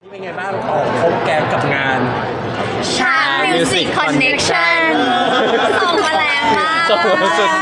เป็นไงบ้างออกพบแกงกับงานช้างมิวสิกคอนเนคชั่นส่งมาแรงมากสุด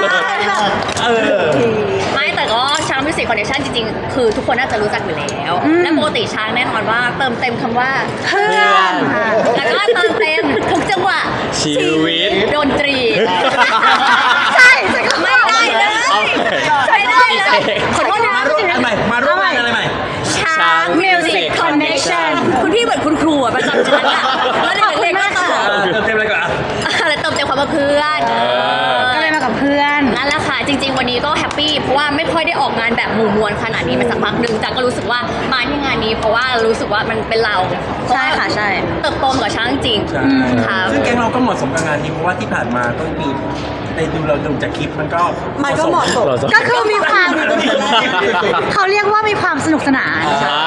ไม่แต่ก็ช้างมิวสิกคอนเนคชั่นจริงๆคือทุกคนน่าจะรู้จักอยู่แล้วและปกติช้างแน่นอนว่าเติมเต็มคำว่าเพื่อนแล้วก็เติมเต็มทุกจังหวะชีวิตดนตรีใช่ไม่ได้เลยไม่ได้เลยขอโทษนะมาร่วมงานอะไรใหม่ช้างมิวสิกคอนเนคชั่นคุณพี่เหมือนคุณครูอ่ะประจำชั้นอ่ะแล้วเด็กๆก็ต่อเติมอะไรก่อนอะไรเติมเต็มความว่าเพื่อนก็เลยมากับเพื่อนนั่นแหละค่ะจริงๆวันนี้ก็แฮปปี้เพราะว่าไม่ค่อยได้ออกงานแบบหมู่มวลขนาดนี้มาสักพักหนึ่งแต่ก็รู้สึกว่ามาที่งานนี้เพราะว่ารู้สึกว่ามันเป็นเราใช่ค่ะใช่เติบโตกับช้างจริงค่ะซึ่งแก๊งเราก็เหมาะสมกับงานนี้เพราะว่าที่ผ่านมาก็มีในเราดูจากคลิปมันก็เหมาะสมก็คือมีความเขาเรียกว่ามีความสนุกสนาน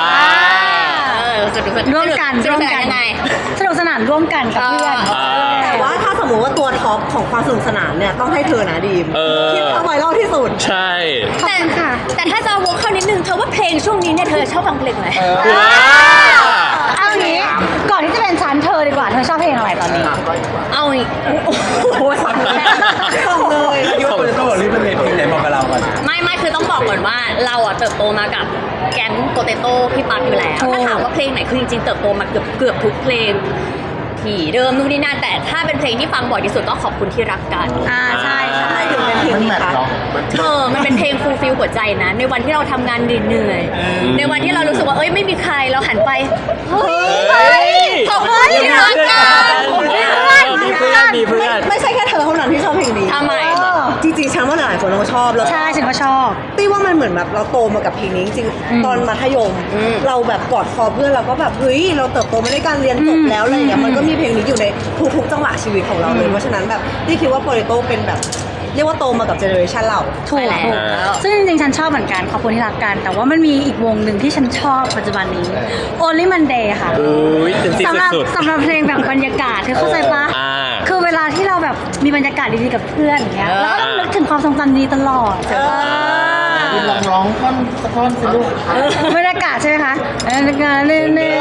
ร่วมกันยังไงสนุกสนานร่วมกันกับเพื่อนแต่ว่าถ้าสมมติว่าตัวท็อปของความสนุกสนานเนี่ยต้องให้เธอนะดีมคลิปเอาไวรัลที่สุดใช่แต่ถ้าจะวกเข้านิดนึงเธอว่าเพลงช่วงนี้เนี่ยเธอชอบฟังเพลงอะไรเอางี้ก่อนที่จะเป็นฉันเธอดีกว่าเธอชอบเพลงอะไรตอนนี้เอาอีกโอ้สั่งเลยยกเลยต้องบอกรีบเป็นเพลงไหนบอกกับเราก่อนไม่คือต้องบอกก่อนว่าเราอ่ะเติบโตมากับแก๊งโปเตโต้พี่ปั๊บอยู่แล้วถ้าถามว่าเพลงไหนคือจริงๆเติบโตมาเกือบทุกเพลงผีเดิมนู่นนี่นั่นแต่ถ้าเป็นเพลงที่ฟังบ่อยที่สุดก็ขอบคุณที่รักกันใช่ถึงเป็นเพลงนี้ค่ะมันเป็นเพลงฟูลฟิลหัวใจนะในวันที่เราทำงานเหนื่อยในวันที่เรารู้สึกว่าไม่มีใครเราหันไปเฮ้ยขอบคุณที่รักกันมีเพื่อนไม่ใช่แค่เธอเท่านั้นที่ชอบเพลงนี้ทำไมจริงๆฉันว่าหลายคนเราชอบแล้วใช่ฉันก็ชอบตี้ว่ามันเหมือนแบบเราโตมากับเพลงนี้จริงๆตอนมัธยมเราแบบกอดคอเพื่อนเราก็แบบเฮ้ยเราเติบโตมาด้วยการเรียนจบแล้วอะไรอย่างเงี้ยมันก็มีเพลงนี้อยู่ในทุกๆจังหวะชีวิตของเราเลยเพราะฉะนั้นแบบตี้คิดว่าโปเตโต้เป็นแบบเรียกว่าโตมากับเจเนอเรชันเราถูกซึ่งจริงๆฉันชอบเหมือนกันขอบคุณที่รักกันแต่ว่ามันมีอีกวงหนึ่งที่ฉันชอบปัจจุบันนี้ Only Monday ค่ะสำหรับเพลงแบบบรรยากาศเธอเข้าใจปะคือเวลาที่เราแบบมีบรรยากาศดีๆกับเพื่อนอย่างเงี้ยเราก็ต้องนึกถึงความทรงจำดีตลอดร้องท่อนสักท่อนสิลูกบรรยากาศใช่ไหมคะบรรยากาศเน่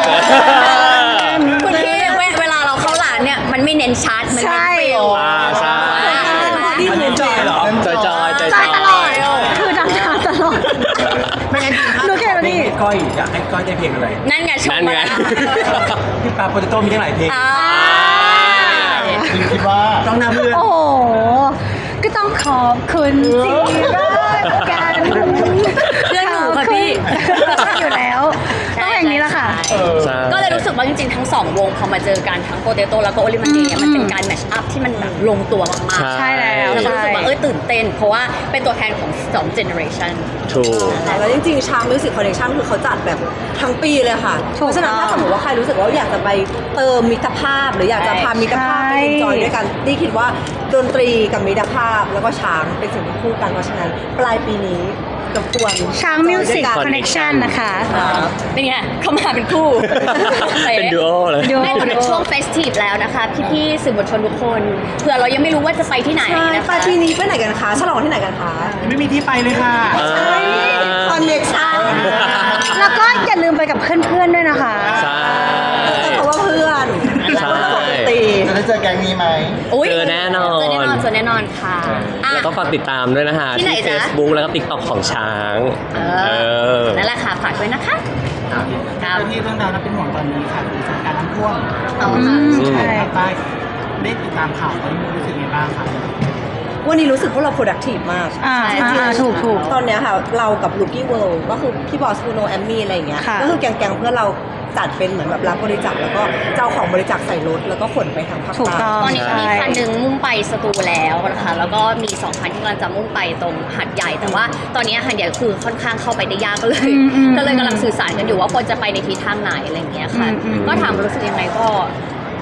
คุณพี่เวลาเราเข้าร้านเนี่ยมันไม่เน้นชาร์ตมันเน้นฟิลใช่ที่เน้นจอยเหรอจอยตลอดคือดังตลอดไม่งั้นดูแค่นี้ก้อยอยากให้ก้อยได้เพลงอะไรนั่นไงชมมาพี่ปาโปเตโต้มีทั้งหลายเพลงคิดว่าต้องนำเพื่อนโอ้ก็ต้องขอบคุณที่รักกันเพื่อนหนูค่ะพี่อยู่แล้วต้องอย่างนี้ละค่ะก็เลยรู้สึกว่าจริงๆทั้ง2วงพอมาเจอกันทั้งโปเตโต้แล้วก็โอลิมันเดย์มันเป็นการแมชอัพที่มันแบบลงตัวมากๆใช่แล้วแล้วก็รู้สึกว่าตื่นเต้นเพราะว่าเป็นตัวแทนของ2เจเนอเรชันถูกแล้วจริงๆช้างมิวสิกคอนเนคชั่นคือเขาจัดแบบทั้งปีเลยค่ะเพราะฉะนั้นถ้าสมมติว่าใครรู้สึกว่าอยากจะไปเติมมิตรภาพหรืออยากจะพามิตรภาพไปเอนจอยด้วยกันนี่คิดว่าดนตรีกับมิตรภาพแล้วก็ช้างเป็นสิ่งที่คู่กันเพราะฉะนั้นปลายปีนี้กับควรช้างมิวสิกคอนเนคชั่นนะคะเป็นไงเขามาเป็นคู่เป็นดูโอเลยไม่เหมือนช่วงเฟสทีฟแล้วนะคะพี่ๆสื่อมวลชนทุกคนเผื่อเรายังไม่รู้ว่าจะไปที่ไหนนะคะปลายปีนี้ไปไหนกันคะฉลองที่ไหนกันคะไม่มีที่ไปเลยค่ะคอนเนคชั่นแล้วก็อย่าลืมไปกับเพื่อนๆด้วยนะคะใช่เพราะว่าเพื่อนตีจะได้เจอแก๊งนี้ไหมเจอแน่นอนค่ะแล้วก็ฝากติดตามด้วยนะคะที่ Facebook แล้วก็ TikTok ของช้างนั่นแหละค่ะฝากด้วยนะคะที่เรื่องราวน่าเป็นห่วงตอนนี้ค่ะคือสถานการณ์น้ำท่วมภาคใต้ได้ติดตามข่าวตอนนี้รู้สึกยังไงบ้างคะวันนี้รู้สึกว่าเรา productive มากจริงๆถูกตอนนี้ค่ะเรากับ Rookie World ก็คือพี่บอสคูโนแอมมี่อะไรอย่างเงี้ยก็คือแก๊งเพื่อนเราจัดเป็นเหมือนแบบรับบริจาคแล้วก็เจ้าของบริจาคใส่รถแล้วก็ขนไปทางภาคใต้ตอนนี้มีคันหนึ่งมุ่งไปสตูแล้วนะคะแล้วก็มี2คันที่กำลังจะมุ่งไปตรงหาดใหญ่แต่ว่าตอนนี้หาดใหญ่คือค่อนข้างเข้าไปได้ยากก็เลยกำลังสื่อสารกันอยู่ว่าควรจะไปในทิศทางไหนอะไรอย่างเงี้ยค่ะก็ถามรู้สึกยังไงก็รู้สึ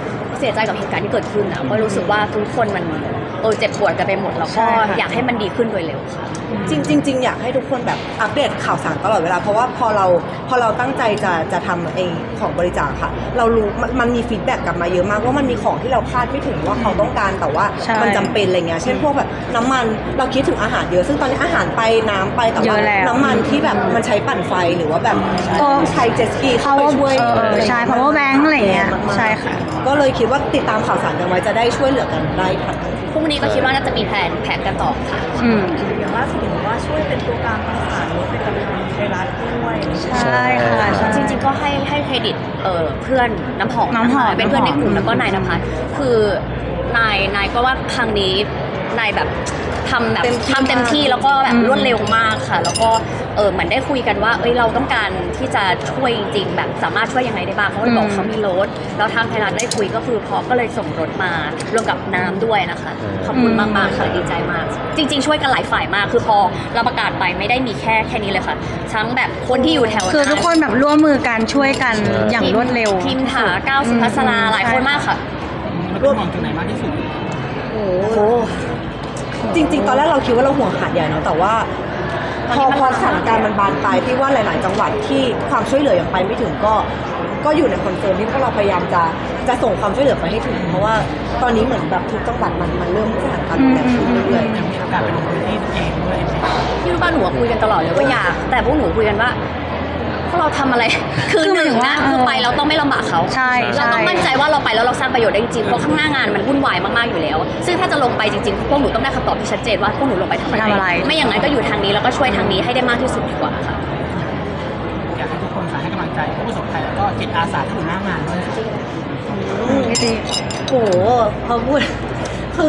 สียใจกับเหตุการณ์ที่เกิดขึ้นนะก็รู้สึกว่าทุกคนมันเจ็บปวดกันไปหมดแล้วใช่ก็ค่ะอยากให้มันดีขึ้นโดยเร็วค่ะจริงๆอยากให้ทุกคนแบบอัปเดตข่าวสารตลอดเวลาเพราะว่าพอเราตั้งใจจะทำไอ้ของบริจาคค่ะ เรารู้มันมีฟีดแบ็กกลับมาเยอะมากว่ามันมีของที่เราคาดไม่ถึงว่าเขาต้องการแต่ว่าใช่มันจำเป็นอะไรเงี้ยเช่นพวกแบบน้ำมันเราคิดถึงอาหารเยอะซึ่งตอนนี้อาหารไปน้ำไปแต่เยว่าอะแล้วน้ำมันที่แบบมันใช้ปั่นไฟหรือว่าแบบก็ใช้เจ็ตสกีเข้าไปช่วยใช่ power bank อะไรเงี้ยมากๆใช่ค่ะก็เลยคิดว่าติดตามข่าวสารกันไว้จะได้ช่วยเหลือกันได้ทันพรุ่งนี้ก็คิดว่าน่าจะมีแผนกันต่อค่ะอืมอย่างล่าสุดเห็นว่าช่วยเป็นตัวกลางประสานเป็นกำลังไทยรัฐด้วยใช่ค่ะใช่จริงๆก็ให้เครดิตเพื่อนน้ำหอมน้ำหอมเป็นเพื่อนในกลุ่มแล้วก็นายนภัสคือนายก็ว่าครั้งนี้นายแบบทำเต็มที่แล้วก็แบบรวดเร็วมากค่ะ แล้วก็เหมือนได้คุยกันว่าเราต้องการที่จะช่วยจริงๆแบบสามารถช่วยยังไงได้บ้างเขาเลยบอกเขามีรถแล้วทางไทยรัฐได้คุยก็คือพอก็เลยส่งรถมารวมกับน้ำด้วยนะคะขอบคุณมากๆค่ะดีใจมาก จริง ๆ ช่วยกันหลายฝ่ายมากคือพอเราประกาศไปไม่ได้มีแค่นี้เลยค่ะทั้งแบบคนที่อยู่แถวนั้นคือทุกคนแบบร่วมมือกันช่วยกันอย่างรวดเร็วทีมถาก้าวสุภัสราหลายคนมากค่ะมันเป็นห่วงตรงไหนมากที่สุดโอ้โหจริงๆ ตอนแรกเราคิดว่าเราห่วงหาดใหญ่เนาะแต่ว่าพอสถานการณ์มันบานปลายที่ว่าหลาย ๆ จังหวัดที่ความช่วยเหลือยังไปไม่ถึงก็อยู่ในคอนเซิร์นที่พวกเราพยายามจะส่งความช่วยเหลือไปให้ถึง เพราะว่าตอนนี้เหมือนแบบทุกจังหวัดมันเริ่มสถานการณ์รุนแรงขึ้นเรื่อยยังมีโอกาสไปลงพื้นที่เองด้วยไหมที่รู้ป่ะหนูคุยกันตลอดเลยว่าอยาก แต่พวกหนูคุยกันว่าพวกเราทำอะไร คือหนึ่งนะคือไปเราต้องไม่ลำบากเขาใช่เราต้องมั่นใจว่าเราไปแล้วเราสร้างประโยชน์ได้จริงๆเพราะข้างหน้างานมันวุ่นวายมากๆอยู่แล้ว ซึ่งถ้าจะลงไปจริงๆพวกหนูต้องได้คำตอบที่ชัดเจนว่าพวกหนูลงไปทำอะไร ไม่อย่างนั้นก็อยู่ทางนี้แล้วก็ช่วยทางนี้ให้ได้มากที่สุดดีกว่าค่ะอยากให้ทุกคนให้กำลังใจผู้ประสบภัยแล้วก็จิตอาสาที่อยู่หน้างานด้วยค่ะไม่ดีๆโหพอพูดคือ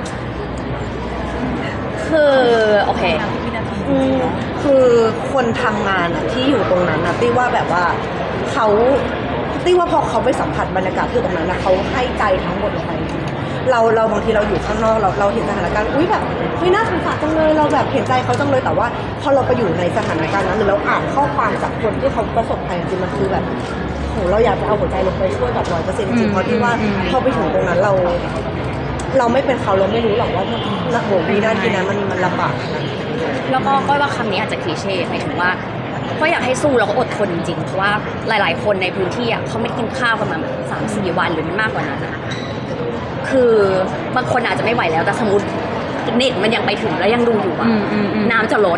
โอเคคือคนทำงานอะที่อยู่ตรงนั้นอะตี้ว่าแบบว่าเขาตี้ว่าพอเขาไปสัมผัสบรรยากาศที่อยู่ตรงนั้นนะเขาให้ใจทั้งหมดลงไปเราบางทีเราอยู่ข้างนอกเราเห็นสถานการณ์อุ้ยแบบไม่น่าสงสารจังเลยเราแบบเห็นใจเขาจังเลยแต่ว่าพอเราไปอยู่ในสถานการณ์นั้นหรือเราอ่านข้อความจากคนที่เขาประสบภัยจริงๆมันคือแบบโหเราอยากจะเอาหัวใจลงไปช่วยแบบ100%จริงๆเพราะที่ว่าพอไปถึงตรงนั้นเราไม่เป็นเขาเราไม่รู้หรอกว่าโหวินาทีนั้นมันลำบากขนาดไหนแล้วก็ก้อยว่าคำนี้อาจจะคลีเช่หมายถึงว่าก็อยากให้สู้แล้วก็อดทนจริงๆเพราะว่าหลายๆ คนในพื้นที่อ่ะเขาไม่ได้กินข้าวกันมา3-4 วันหรือมันมากกว่านั้นอะคือบางคนอาจจะไม่ไหวแล้วแต่สมมติเน็ตมันยังไปถึงแล้วยังดูอยู่อ่ะน้ำจะลด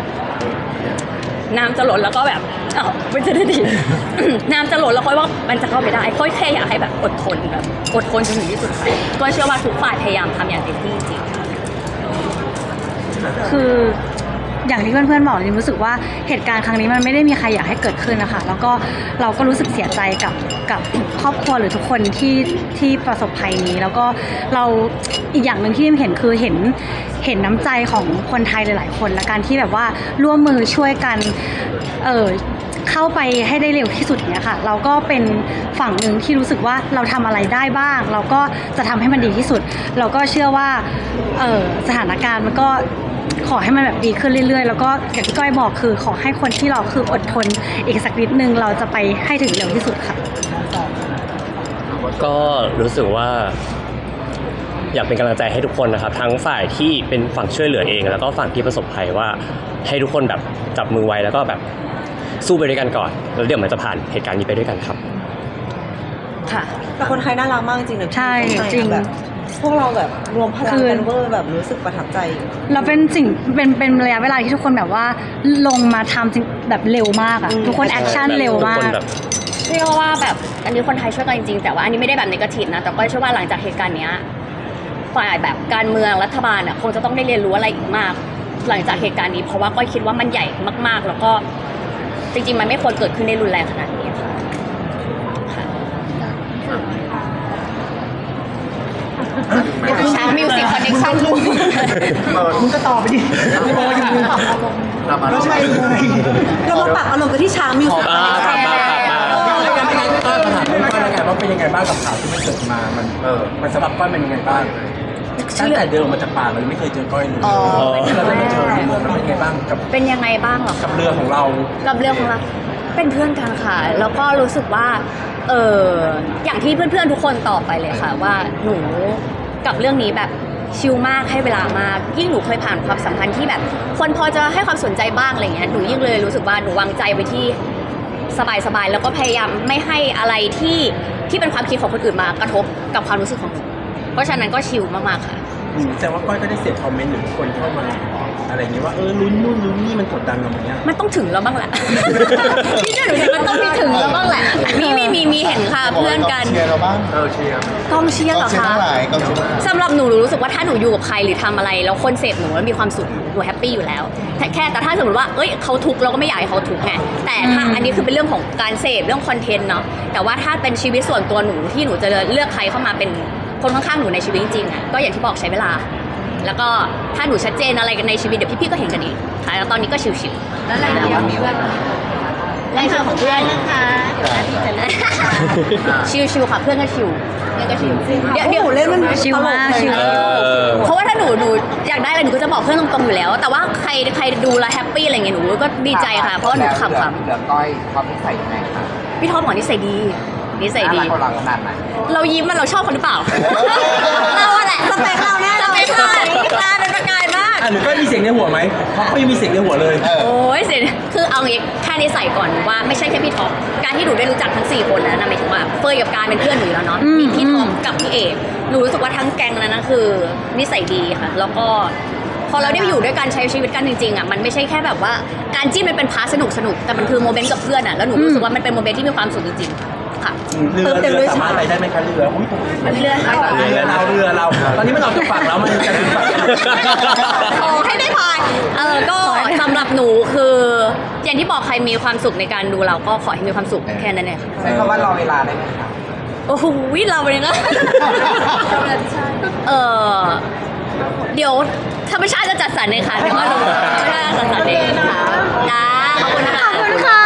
แล้วก็แบบมันจะได้ดี น้ำจะลดแล้วค่อยว่ามันจะเข้าไปได้ค่อยแค่อยากให้แบบอดทนแบบอดทนจนถึงที่สุดไปก็เชื่อว่าทุกฝ่ายพยายามทำอย่างเต็มที่จริงคืออย่างที่เพื่อนๆบอกจริงรู้สึกว่าเหตุการณ์ครั้งนี้มันไม่ได้มีใครอยากให้เกิดขึ้นนะคะแล้วก็เราก็รู้สึกเสียใจกับครอบครัวหรือทุกคนที่ประสบภัยนี้ แล้วก็เราอีกอย่างหนึ่งที่เห็นคือเห็นน้ำใจของคนไทยหลายๆคนและการที่แบบว่าร่วมมือช่วยกันเข้าไปให้ได้เร็วที่สุดเนี่ยค่ะเราก็เป็นฝั่งหนึ่งที่รู้สึกว่าเราทำอะไรได้บ้าง เราก็จะทำให้มันดีที่สุด เราก็เชื่อว่าสถานการณ์มันก็ขอให้มันแบบดีขึ้นเรื่อยๆแล้วก็อย่างที่ก้อยบอกคือขอให้คนที่เราคืออดทนอีกสักนิดนึงเราจะไปให้ถึงเร็วที่สุดค่ะก็รู้สึกว่าอยากเป็นกำลังใจให้ทุกคนนะครับทั้งฝ่ายที่เป็นฝั่งช่วยเหลือเองแล้วก็ฝั่งที่ประสบภัยว่าให้ทุกคนแบบจับมือไว้แล้วก็แบบสู้ไปด้วยกันก่อนแล้วเดี๋ยวมันจะผ่านเหตุการณ์นี้ไปด้วยกันครับค่ะแต่คนไทยน่ารักมากจริงๆนะใช่จริงแบบพวกเราแบบรวมพลังกันเวอร์แบบรู้สึกประทับใจเราเป็นระยะเวลาที่ทุกคนแบบว่าลงมาทำจริงแบบเร็วมากอะทุกคนแอคชั่นเร็วมากเรียกว่าแบบอันนี้คนไทยช่วยกันจริงๆแต่ว่าอันนี้ไม่ได้แบบเนกาทีฟนะแต่ก็เชื่อว่าหลังจากเหตุการณ์เนี้ยฝ่ายแบบการเมืองรัฐบาลคงจะต้องได้เรียนรู้อะไรอีกมาก หลังจากเหตุการณ์นี้เพราะว่าก้อยคิดว่ามันใหญ่มากๆ แล้วก็จริงๆมันไม่ควรเกิดขึ้นได้รุนแรงขนาดนี้ค่ะช้างมิวสิกคอนเนคชั่นลูกมึงก็ตอบไปดิไม่บอกอย่างนี้ก็ใช่เลยเรามาปรับอารมณ์กันที่ช้างมิวสิกอะไรกันเป็นไงก็ถามก้อยแล้วกันว่าเป็นยังไงบ้างกับข่าวที่มันเกิดมามันสำหรับก้อยเป็นยังไงบ้างตั้งแต่เดินมาจากป่าเราไม่เคยเจอก้อยเลยเราได้มาเจอในเมืองมันเป็นยังไงบ้างกับเป็นยังไงบ้างเหรอกับเรือของเรากับเรื่องของเราเป็นเพื่อนกันค่ะ แล้วก็รู้สึกว่าอย่างที่เพื่อนๆทุกคนตอบไปเลยค่ะว่าหนูกับเรื่องนี้แบบชิลมากให้เวลามากยิ่งหนูเคยผ่านความสัมพันธ์ที่แบบคนพอจะให้ความสนใจบ้างอะไรเงี้ยหนูยิ่งเลยรู้สึกว่าหนูวางใจไปที่สบายๆแล้วก็พยายามไม่ให้อะไรที่เป็นความคิดของคนอื่นมากระทบกับความรู้สึกของหนูเพราะฉะนั้นก็ชิลมากๆค่ะแต่ว่าก้อยก็ได้เสียคอมเมนต์หรือคนเข้ามาอะไรอย่างเงี้ยว่าลุ้นนู่นลุ้นนี่มันกดดันเราไหมเนี่ยมันต้องถึงแล้วบ้างแหละ พี่เชื่อหนูเห็นมันต้องมีถึงแล้วบ้างแหละมีเห็นค่ะเพื่อนกันเชียร์เราบ้างเชียร์กองเชียร์เหรอเชียร์คะทั้งหลายกองเชียร์ทั้งหลายสำหรับหนูรู้สึกว่าถ้าหนูอยู่กับใครหรือทำอะไรแล้วคนเสพหนูแล้วมีความสุขหนูแฮปปี้อยู่แล้วแต่ถ้าสมมติว่าเขาทุกข์เราก็ไม่อยากให้เขาทุกข์ไงแต่ถ้าอันนี้คือเป็นเรื่องของการเสพเรื่องคอนเทนต์เนาะแต่ว่าถ้าเป็นชีวิตส่วนตัวหนูที่หนูจะเลือกใครเข้ามาเป็นคนข้างๆหนูในชีวิตจริงๆอ่ะก็อย่างที่บอกใช้เวลา แล้วก็ถ้าหนูชัดเจนอะไรกันในชีวิตเดี๋ยวพี่ๆก็เห็นกันเองค่ะแล้วตอนนี้ก็ชิวๆแล้วอะไรเงี้ยเพื่อนแรงของเพื่อนนะคะชิวๆค่ะเพื่อนก็ชิวเดี๋ยวเล่นมันชิลมากชิลเพราะว่าถ้าหนูอยากได้อะไรหนูก็จะบอกเพื่อนตรงๆอยู่แล้ว แต่ว่าใครดูแลแฮปปี้อะไรเงี้ยหนูก็ดีใจค่ะเพราะว่าหนูขำเหลือก้อยความนิสัยยังไงคะๆพี่ท็อปบอกนิสัยดีน่ารักกว่าเราขนาดไหนเรายิ้มมันเราชอบคนหรือเปล่า เราอะแหละสเปคเราแน่สเปคเราตาเป็นประกายมากหรือก้อยมีเสียงในหัวไหมเพราะเขายังมีเสียงในหัวเลยโอ้ยเสียคือเอางี้แค่นิสัยก่อนว่าไม่ใช่แค่พี่ท็อปการที่หนูได้รู้จักทั้ง4คนนะหมายถึงว่าเฟยกับการเป็นเพื่อนหนูอยู่แล้วเนาะมีพี่ท็อปกับพี่เอกหนูรู้สึกว่าทั้งแก๊งนั้นนะคือนิสัยดีค่ะแล้วก็พอเราได้อยู่ด้วยกันใช้ชีวิตกันจริงๆอ่ะมันไม่ใช่แค่แบบว่าการจิ้นมันเป็นพาร์ทสนุกแต่มันคือโมเมนต์กับเพื่อนอ่ะแล้วหนูรู้สึกว่ามันเป็นโมเมนต์ที่มีความสุขจริงๆค่ะเรือสามารถไปได้ไหมคะเรืออุ้ยตรงนี้เรือเราตอนนี้มันออกจากฝั่งแล้วมันจะถึงฝั่งขอให้ได้พายก็สำหรับหนูคืออย่างที่บอกใครมีความสุขในการดูเราก็ขอให้มีความสุขแค่นั้นเองค่ะใช้คำว่ารอเวลาได้ไหมคะโอ้โหเราเลยนะ เดี๋ยวธรรมชาติจะจัดสรรเองค่ะเดี๋ยวว่าธรรมชาติจะจัดสรรเองค่ะจ้าขอบคุณนะคะขอบคุณค่ะ